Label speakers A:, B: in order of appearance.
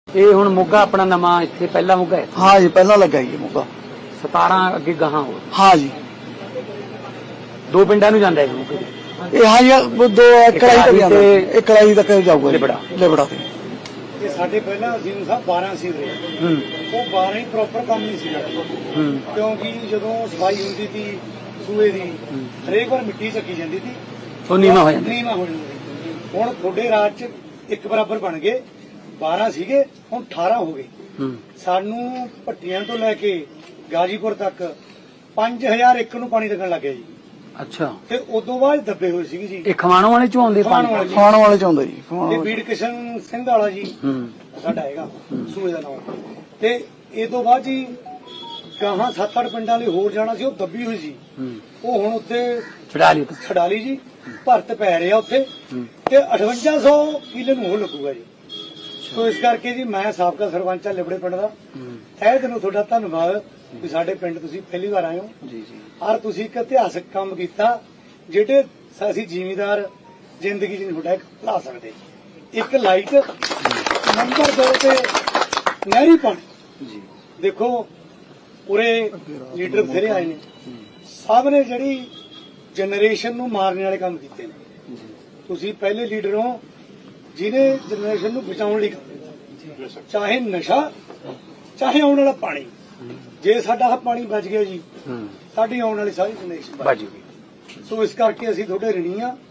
A: ਇਹ ਹੁਣ ਮੋਗਾ ਆਪਣਾ ਨਵਾਂ ਇੱਥੇ ਪਹਿਲਾ ਮੋਗਾ ਹੈ।
B: हाँ जी पहला लगा जी मौका।
A: 17 ਅੱਗੇ ਗਾਹਾਂ ਹੋਰ
B: हाँ जी
A: ਦੋ ਪਿੰਡਾਂ ਨੂੰ ਜਾਂਦਾ ਹੈ ਮੋਗੇ।
B: ये हाँ जी वो दो कढ़ाई तक जाता है, एक कढ़ाई तक जाऊगा
A: लिबड़ा।
B: लिबड़ा से।
C: ਇਹ ਸਾਡੇ ਪਹਿਲਾਂ ਅਸੀਮ ਸਾਹਿਬ 12 ਸੀ ਰਹੇ ਉਹ 12 ਹੀ ਪ੍ਰੋਪਰ ਕੰਮ ਨਹੀਂ ਸੀ ਕਰਦੇ ਕਿਉਂਕਿ ਜਦੋਂ ਸਫਾਈ ਹੁੰਦੀ ਸੀ ਸੂਏ ਦੀ ਹਰੇਕ ਵਾਰ ਮਿੱਟੀ ਚੱਕੀ ਜਾਂਦੀ ਸੀ
A: ਉਹ ਨੀਵਾਂ ਹੋ ਜਾਂਦਾ।
C: ਨੀਵਾਂ ਹੋ ਜਾਂਦਾ ਹੁਣ ਤੁਹਾਡੇ ਰਾਜ ਚ ਇੱਕ ਬਰਾਬਰ ਬਣ ਗਏ 12 ਸੀਗੇ ਹੁਣ 18 ਹੋ ਗਏ ਸਾਨੂੰ ਭੱਟੀਆਂ ਤੋਂ ਲੈ ਕੇ ਗਾਜੀਪੁਰ ਤੱਕ 5000 ਏਕੜ ਨੂੰ ਪਾਣੀ ਲੱਗਣ ਲੱਗ ਗਿਆ ਜੀ
A: ਅੱਛਾ
C: ਤੇ ਉਦੋਂ ਬਾਅਦ ਦੱਬੇ ਹੋਏ ਸੀਗੇ ਜੀ
A: ਇਹ ਖਵਾਣੋਂ ਵਾਲੇ ਚੋਂ ਆਉਂਦੇ
C: ਖਮਾਣੋਂ ਵਾਲੇ।
B: खाने वाले चाहता जी खाने
C: ਤੇ
B: वाले।
C: ਬੀੜ ਕਿਸ਼ਨ ਸਿੰਘ ਵਾਲਾ ਜੀ ਸਾਡਾ ਹੈਗਾ ਸੂਏ ਦਾ ਨਾਮ ਤੇ ਇਹ ਤੋਂ ਬਾਅਦ ਜੀ ਗਾਹਾਂ 7-8 ਪਿੰਡਾਂ ਲਈ ਹੋਰ ਜਾਣਾ ਸੀ ਉਹ ਦੱਬੀ ਹੋਈ ਸੀ ਉਹ ਹੁਣ ਉੱਥੇ
A: ਛਡਾ ਲਈ
C: ਛਡਾ ਲਈ ਜੀ ਭਰਤ ਪੈ ਰਿਹਾ ਉੱਥੇ ਤੇ 5800 ਕਿੱਲੇ ਨੂੰ ਉਹ ਲੱਗੂਗਾ ਜੀ ਸੋ ਇਸ ਕਰਕੇ ਜੀ ਮੈਂ ਸਾਬਕਾ ਸਰਪੰਚ ਆ ਲਿਬੜੇ ਪਿੰਡ ਦਾ ਤਹਿ ਦਿਲੋਂ ਤੁਹਾਡਾ ਧੰਨਵਾਦ ਵੀ ਸਾਡੇ ਪਿੰਡ ਤੁਸੀਂ ਪਹਿਲੀ ਵਾਰ ਆਏ ਹੋ
A: ਜੀ ਜੀ
C: ਔਰ ਤੁਸੀਂ ਇੱਕ ਇਤਿਹਾਸਕ ਕੰਮ ਕੀਤਾ ਜਿਹੜੇ ਅਸੀਂ ਜ਼ਿਮੀਂਦਾਰ ਜ਼ਿੰਦਗੀ 'ਚ ਨਹੀਂ ਤੁਹਾਡਾ ਇੱਕ ਭੁਲਾ ਸਕਦੇ ਇੱਕ ਲਾਈਟ ਨੰਬਰ 2 ਤੇ ਨਹਿਰੀ ਪਾਣੀ
A: ਜੀ
C: ਦੇਖੋ ਪੂਰੇ ਲੀਡਰ ਬਥੇਰੇ ਆਏ ਨੇ ਸਭ ਨੇ ਜਿਹੜੀ ਜਨਰੇਸ਼ਨ ਨੂੰ ਮਾਰਨ ਵਾਲੇ ਕੰਮ ਕੀਤੇ ਨੇ ਤੁਸੀਂ ਪਹਿਲੇ ਲੀਡਰ ਹੋ ਜਿਹਨੇ ਜਨਰੇਸ਼ਨ ਨੂੰ ਬਚਾਉਣ ਲਈ ਕੰਮ ਕੀਤਾ ਚਾਹੇ ਨਸ਼ਾ ਚਾਹੇ ਆਉਣ ਵਾਲਾ ਪਾਣੀ ਜੇ ਸਾਡਾ ਆਹ ਪਾਣੀ ਬਚ ਗਿਆ ਜੀ ਸਾਡੀ ਆਉਣ ਵਾਲੀ ਸਾਰੀ ਜਨਰੇਸ਼ਨ ਬਚ
A: ਬਾਜੀ
C: ਸੋ ਇਸ ਕਰਕੇ ਅਸੀਂ ਤੁਹਾਡੇ ਰਿਣੀ ਆ